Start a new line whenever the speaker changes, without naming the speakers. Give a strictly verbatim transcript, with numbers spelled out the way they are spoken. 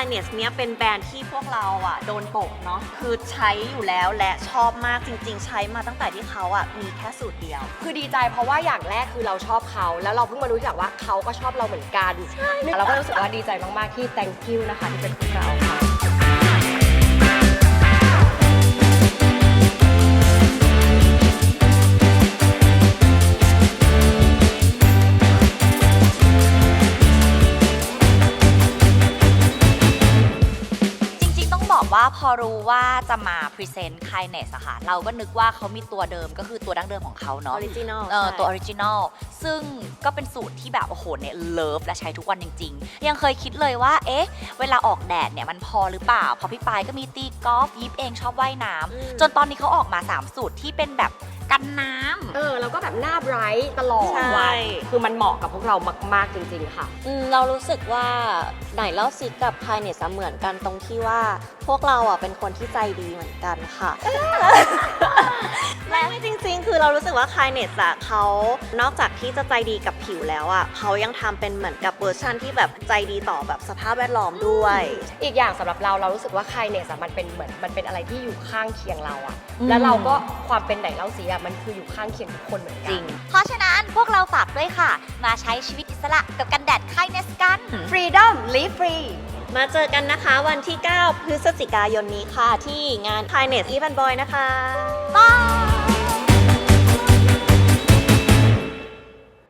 Kindness เนี่ยเป็นแบรนด์ที่พวกเราอ่ะโดนตกเนาะคือใช้อยู่แล้วและชอบมากจริงๆใช้มาตั้งแต่ที่เขาอ่ะมีแค่สูตรเดียว
คือดีใจเพราะว่าอย่างแรกคือเราชอบเขาแล้วเราเพิ่งมารู้จักว่าเขาก็ชอบเราเหมือนกันเราก็รู้สึกว่าดีใจมากๆที่ thank you นะคะที่เป็นพวกเราค่ะ
ว่าพอรู้ว่าจะมาพรีเซนต์ Kindness อะค่ะเราก็นึกว่าเขามีตัวเดิมก็คือตัวดั้งเดิมของเขาเนาะ
Original
เออตัว Original ซึ่งก็เป็นสูตรที่แบบโอ้โหเนี่ยเลิฟและใช้ทุกวันจริงๆยังเคยคิดเลยว่าเอ๊ะเวลาออกแดดเนี่ยมันพอหรือเปล่าเพราะพี่ปายก็มีตีกอล์ฟยิปเองชอบว่ายน้ำจนตอนนี้เขาออกมาสามสูตรที่เป็นแบบกันน้ำ
เออแล้วก็แบบหน้าไบรท์ตลอด
ใช่
วันคือมันเหมาะกับพวกเรามากๆจริงๆค่ะ
อืมเรารู้สึกว่าไหนเล่าซิกับ Kindness เหมือนกันตรงที่ว่าพวกเราอ่ะเป็นคนที่ใจดีเหมือนกันค่ะ
ไม่ไม่จริงๆ คือเรารู้สึกว่า Kindness อะเขานอกจากที่จะใจดีกับผิวแล้วอะเขายังทำเป็นเหมือนกับเวอร์ชันที่แบบใจดีต่อแบบสภาพแวดล้อมด้วย
อีกอย่างสำหรับเราเรารู้สึกว่า Kindness อะมันเป็นเหมือนมันเป็นอะไรที่อยู่ข้างเคียงเราอะแล้วเราก็ความเป็นไหนเล่าซิอะมันคืออยู่ข้างเคียงทุกคนเหมือนกั
จริงเพราะฉะนั้นพวกเราฝากด้วยค่ะมาใช้ชีวิตอิสระกับกันแดด Kindness กัน
Freedom Live Free
มาเจอกันนะคะวันที่ เก้า พฤศจิกายนนี้ค่ะที่งาน Kindness Even Boy นะคะ
บาย